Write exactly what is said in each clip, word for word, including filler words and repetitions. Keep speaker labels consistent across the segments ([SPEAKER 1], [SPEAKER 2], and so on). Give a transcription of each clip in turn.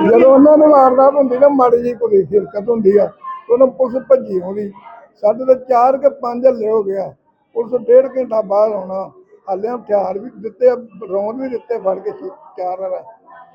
[SPEAKER 1] ਜਦੋਂ ਉਹਨਾਂ ਨੂੰ ਵਾਰਦਾਤ ਹੁੰਦੀ ਨਾ ਮਾੜੀ ਜਿਹੀ ਕੋਈ ਹਿਰਕਤ ਹੁੰਦੀ ਆ ਉਹਨਾਂ ਪੁਲਿਸ ਭੱਜੀ ਆਉਂਦੀ। ਸਾਡੇ ਤਾਂ ਚਾਰ ਕੇ ਪੰਜ ਹੱਲੇ ਹੋ ਗਿਆ। ਪੁਲਿਸ ਡੇਢ ਘੰਟਾ ਬਾਅਦ ਆਉਣਾ। ਹਾਲੇ ਹਥਿਆਰ ਵੀ ਦਿੱਤੇ, ਰੌਂਦ ਵੀ ਦਿੱਤੇ ਫੜ ਕੇ ਚਾਰ ਵਾਲਾ।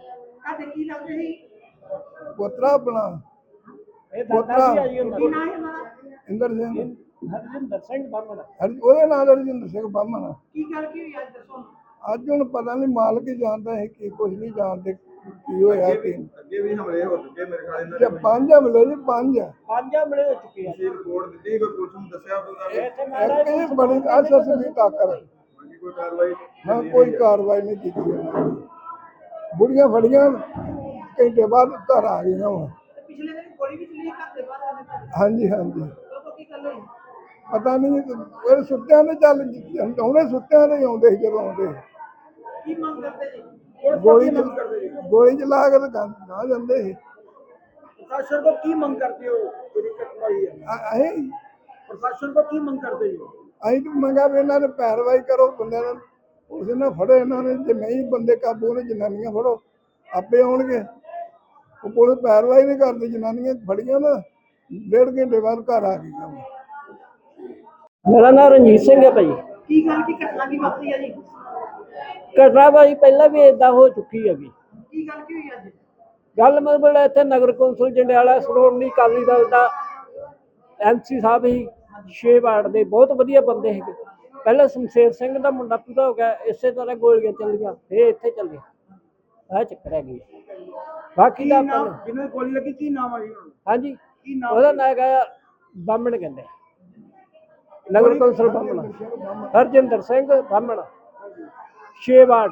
[SPEAKER 1] ਪੁੱਤਰਾ ਆਪਣਾ ਪੁੱਤਰਾ ਇੰਦਰ ਸਿੰਘ
[SPEAKER 2] ਹਰਜਿੰਦਰ ਸਿੰਘ ਬਾਮਣ,
[SPEAKER 1] ਉਹਦੇ ਨਾਲ ਹਰਜਿੰਦਰ ਸਿੰਘ ਬਾਮਣ।
[SPEAKER 2] ਕੀ ਗੱਲ ਕੀ ਹੋਈ ਅੱਜ ਦੱਸੋ?
[SPEAKER 1] ਅੱਜ ਹੁਣ ਪਤਾ ਨਹੀਂ, ਮਾਲਕ ਹੀ ਜਾਣਦਾ ਹੈ ਕੀ ਕੁਝ ਨਹੀਂ ਜਾਣਦੇ ਕੀ ਹੋਇਆ ਕੀ।
[SPEAKER 3] ਅੱਗੇ ਵੀ ਹਮਲੇ ਹੋ ਚੁੱਕੇ ਮੇਰੇ ਖਿਆਲ ਇਹਨਾਂ
[SPEAKER 1] ਜੇ ਪੰਜ ਹਮਲੇ ਜੀ ਪੰਜ
[SPEAKER 2] ਪੰਜ ਹਮਲੇ ਹੋ ਚੁੱਕੇ ਆ।
[SPEAKER 3] ਤੁਸੀਂ ਰਿਪੋਰਟ ਦਿੱਤੀ ਕੋਈ ਪੁਲਿਸ ਨੂੰ ਦੱਸਿਆ ਕੋਈ
[SPEAKER 2] ਇੱਥੇ ਮਹਾਰਾਜ
[SPEAKER 1] ਇੱਕ ਬੜੀ ਅਸਸ ਵੀ ਤਾਕਰ
[SPEAKER 3] ਕੋਈ ਕਾਰਵਾਈ
[SPEAKER 1] ਨਾ ਕੋਈ ਕਾਰਵਾਈ ਨਹੀਂ ਕੀਤੀ ਉਹਨਾਂ ਨੇ। ਬੁੜੀਆਂ ਫੜੀਆਂ ਘੰਟੇ ਬਾਅਦ ਘਰ ਆ ਗਈਆਂ ਵਾ।
[SPEAKER 2] ਪਿਛਲੇ ਦਿਨ ਗੋਲੀ ਵੀ ਚੱਲੀ ਘਰ ਦੇ ਬਾਹਰ ਆਨੇ ਘਰ
[SPEAKER 1] ਹਾਂਜੀ ਹਾਂਜੀ
[SPEAKER 2] ਤੋਂ ਕੀ ਗੱਲ ਹੋਈ?
[SPEAKER 1] ਪਤਾ ਨਹੀਂ ਉਹ ਸੁੱਤਿਆਂ ਦੇ ਚੱਲ ਉਹਨੇ ਸੁੱਤਿਆਂ ਦੇ ਆਉਂਦੇ ਸੀ ਜਦੋਂ ਆਉਂਦੇ
[SPEAKER 2] ਕੀ ਮੰਗ ਕਰਦੇ ਜੀ?
[SPEAKER 1] ਗੋਲੀ ਗੋਲੀ ਚਲਾ ਕੇ ਤਾਂ ਨਾ ਜਾਂਦੇ ਸੀ।
[SPEAKER 2] ਪ੍ਰਸ਼ਾਸਨ को ਕੀ ਮੰਗ ਕਰਦੇ ਹੋ? ਜਿਹੜੀ ਘਟਨਾ ਹੋਈ ਹੈ
[SPEAKER 1] ਅ- ਅਸੀਂ
[SPEAKER 2] ਪ੍ਰਸ਼ਾਸਨ को ਕੀ ਮੰਗ ਕਰਦੇ ਹੋ?
[SPEAKER 1] ਅਸੀਂ ਤਾਂ ਮੰਗਾ ਵੀ ਇਹਨਾਂ ਨੇ ਪੈਰਵਾਈ ਕਰੋ, ਬੰਦਿਆਂ ਨੂੰ ਉਸ ਨੇ ਫੜੋ ਇਹਨਾਂ ਨੇ। ਜੇ ਨਹੀਂ ਬੰਦੇ ਕਾਬੂ ਨੇ, ਜਨਾਨੀਆਂ ਫੜੋ ਆਪੇ ਆਉਣਗੇ। ਉਹ ਪੁਲਿਸ ਪੈਰਵਾਈ ਨਹੀਂ ਕਰਦੀ। ਜਨਾਨੀਆਂ ਫੜੀਆਂ ਨਾ ਡੇਢ ਘੰਟੇ ਬਾਅਦ ਘਰ ਆ ਗਈਆਂ।
[SPEAKER 4] ਮੇਰਾ ਨਾਮ ਰਣਜੀਤ ਸਿੰਘ ਹੈ ਭਾਈ।
[SPEAKER 2] ਕੀ ਗੱਲ ਕੀ ਘਟਨਾ ਕੀ ਵਾਪਰੀ ਹੈ ਜੀ?
[SPEAKER 4] ਘਟਨਾ ਭਾਈ ਪਹਿਲਾਂ ਵੀ ਇਦਾਂ ਹੋ ਚੁੱਕੀ ਹੈਗੀ।
[SPEAKER 2] ਕੀ ਗੱਲ ਕੀ ਹੋਈ ਅੱਜ?
[SPEAKER 4] ਗੱਲ ਮਤਲਬ ਇੱਥੇ ਨਗਰ ਕੌਂਸਲ ਜੰਡਿਆਲਾ ਸ਼੍ਰੋਮਣੀ ਅਕਾਲੀ ਦਲ ਦਾ ਐਮ ਸੀ ਸਾਹਿਬ ਹੀ ਛੇ ਵਾਰਡ ਦੇ ਬਹੁਤ ਵਧੀਆ ਬੰਦੇ ਸੀਗੇ। ਪਹਿਲਾਂ ਸ਼ਮਸ਼ੇਰ ਸਿੰਘ ਦਾ ਮੁੰਡਾ ਪੂਰਾ ਹੋ ਗਿਆ, ਇਸੇ ਤਰ੍ਹਾਂ ਗੋਲੀਆਂ ਚੱਲੀਆਂ, ਫੇਰ ਇੱਥੇ ਚੱਲੀ। ਆਹ ਚੱਕਰ ਹੈਗੀ। ਬਾਕੀ ਦਾ ਆਪਾਂ ਨੂੰ-
[SPEAKER 2] ਜਿਹਨੂੰ ਗੋਲੀ ਲੱਗੀ ਕੀ ਨਾਮ ਆ ਜੀ ਉਹਨਾਂ ਦਾ?
[SPEAKER 4] ਹਾਂਜੀ
[SPEAKER 2] ਕੀ ਨਾਮ?
[SPEAKER 4] ਉਹਦਾ ਨਾਂ ਹੈਗਾ ਬਾਹਮਣ, ਕਹਿੰਦੇ ਨਗਰ ਕੌਂਸਲ ਬਾਹਮਣ, ਹਰਜਿੰਦਰ ਸਿੰਘ ਬਾਹਮਣ, ਛੇ ਵਾਰਡ।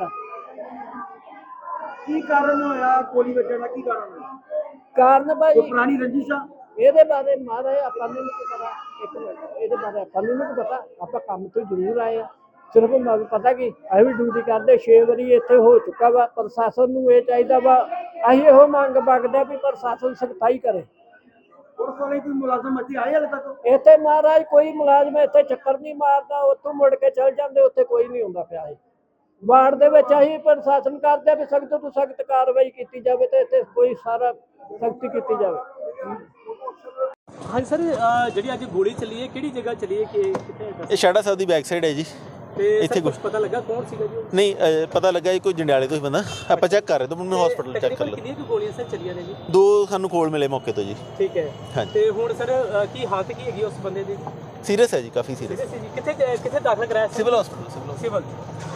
[SPEAKER 2] ਕੀ ਕਾਰਨ ਹੋਇਆ ਗੋਲੀ ਵੱਜਣ ਦਾ? ਕੀ ਕਾਰਨ ਹੋਇਆ?
[SPEAKER 4] ਕਾਰਨ ਭਾਈ
[SPEAKER 2] ਕੋਈ ਪੁਰਾਣੀ ਰੰਜਿਸ਼ ਆ?
[SPEAKER 4] ਇਹਦੇ ਬਾਰੇ ਮਹਾਰਾਜ ਆਪਾਂ ਨੂੰ ਨਹੀਂ ਪਤਾ। ਇੱਕ ਮਿੰਟ, ਇਹਦੇ ਬਾਰੇ ਆਪਾਂ ਨੂੰ ਨਹੀਂ ਪਤਾ। ਆਪਾਂ ਕੰਮ ਤੋਂ ਜ਼ਰੂਰ ਆਏ ਆ। ਸਿਰਫ ਮੈਨੂੰ ਪਤਾ ਕਿ ਅਸੀਂ ਵੀ ਡਿਊਟੀ ਕਰਦੇ, ਛੇ ਵਾਰੀ ਇੱਥੇ ਹੋ ਚੁੱਕਾ ਵਾ। ਪ੍ਰਸ਼ਾਸਨ ਨੂੰ ਇਹ ਚਾਹੀਦਾ ਵਾ, ਅਸੀਂ ਇਹੋ ਮੰਗ ਮੰਗਦੇ ਵੀ ਪ੍ਰਸ਼ਾਸਨ ਸਖਤਾਈ ਕਰੇ।
[SPEAKER 2] ਪੁਲਿਸ ਵਾਲੇ ਕੋਈ ਮੁਲਾਜ਼ਮ ਇੱਥੇ ਆਏ ਹਾਲੇ ਤੱਕ?
[SPEAKER 4] ਇੱਥੇ ਮਹਾਰਾਜ ਕੋਈ ਮੁਲਾਜ਼ਮ ਇੱਥੇ ਚੱਕਰ ਨਹੀਂ ਮਾਰਦਾ, ਉੱਥੋਂ ਮੁੜ ਕੇ ਚਲ ਜਾਂਦੇ, ਉੱਥੇ ਕੋਈ ਨਹੀਂ ਹੁੰਦਾ ਪਿਆ। ਇਹ ਵਾਰਡ ਦੇ ਵਿੱਚ ਅਸੀਂ ਪ੍ਰਸ਼ਾਸਨ ਕਰਦੇ ਵੀ ਸਖਤ ਤੋਂ ਸਖਤ ਕਾਰਵਾਈ ਕੀਤੀ ਜਾਵੇ ਤੇ ਇੱਥੇ ਕੋਈ ਸਾਰਾ ਸਖਤੀ ਕੀਤੀ ਜਾਵੇ।
[SPEAKER 5] ਹਾਂਜੀ ਸਰ, ਜਿਹੜੀ ਅੱਜ ਗੋਲੀ ਚੱਲੀ ਹੈ ਕਿਹੜੀ ਜਗ੍ਹਾ ਚੱਲੀ ਹੈ, ਕਿ ਕਿੱਥੇ?
[SPEAKER 6] ਇਹ ਸ਼ਾੜਾ ਸਾਹਿਬ ਦੀ ਬੈਕ ਸਾਈਡ ਹੈ ਜੀ।
[SPEAKER 5] ਤੇ
[SPEAKER 6] ਇੱਥੇ
[SPEAKER 5] ਕੁਝ ਪਤਾ ਲੱਗਾ ਕੌਣ ਸੀਗਾ ਜੀ?
[SPEAKER 6] ਨਹੀਂ ਅ, ਪਤਾ ਲੱਗਾ ਜੀ ਕੋਈ ਜੰਡਿਆਲੇ ਤੋਂ ਹੀ ਬੰਦਾ। ਆਪਾਂ ਚੈੱਕ ਕਰ ਰਹੇ ਤਾਂ ਮੈਨੂੰ ਹਸਪੀਟਲ ਚੈੱਕ ਕਰ ਲਓ।
[SPEAKER 5] ਕਿੰਨੀਆਂ ਕੁ ਗੋਲੀਆਂ ਸਰ ਚੱਲੀਆਂ ਨੇ ਜੀ?
[SPEAKER 6] ਦੋ ਸਾਨੂੰ ਕੋਲ ਮਿਲੇ ਮੌਕੇ ਤੋਂ ਜੀ।
[SPEAKER 5] ਠੀਕ ਹੈ।
[SPEAKER 6] ਹਾਂਜੀ।
[SPEAKER 5] ਤੇ ਹੁਣ ਸਰ ਕੀ ਹਾਲਤ ਕੀ ਹੈਗੀ ਉਸ ਬੰਦੇ ਦੀ?
[SPEAKER 6] ਸੀਰੀਅਸ ਹੈ ਜੀ, ਕਾਫੀ ਸੀਰੀਅਸ।
[SPEAKER 5] ਕਿੱਥੇ ਕਿੱਥੇ ਦਾਖਲ ਕਰਾਇਆ?
[SPEAKER 6] Civil hospital civil
[SPEAKER 5] civil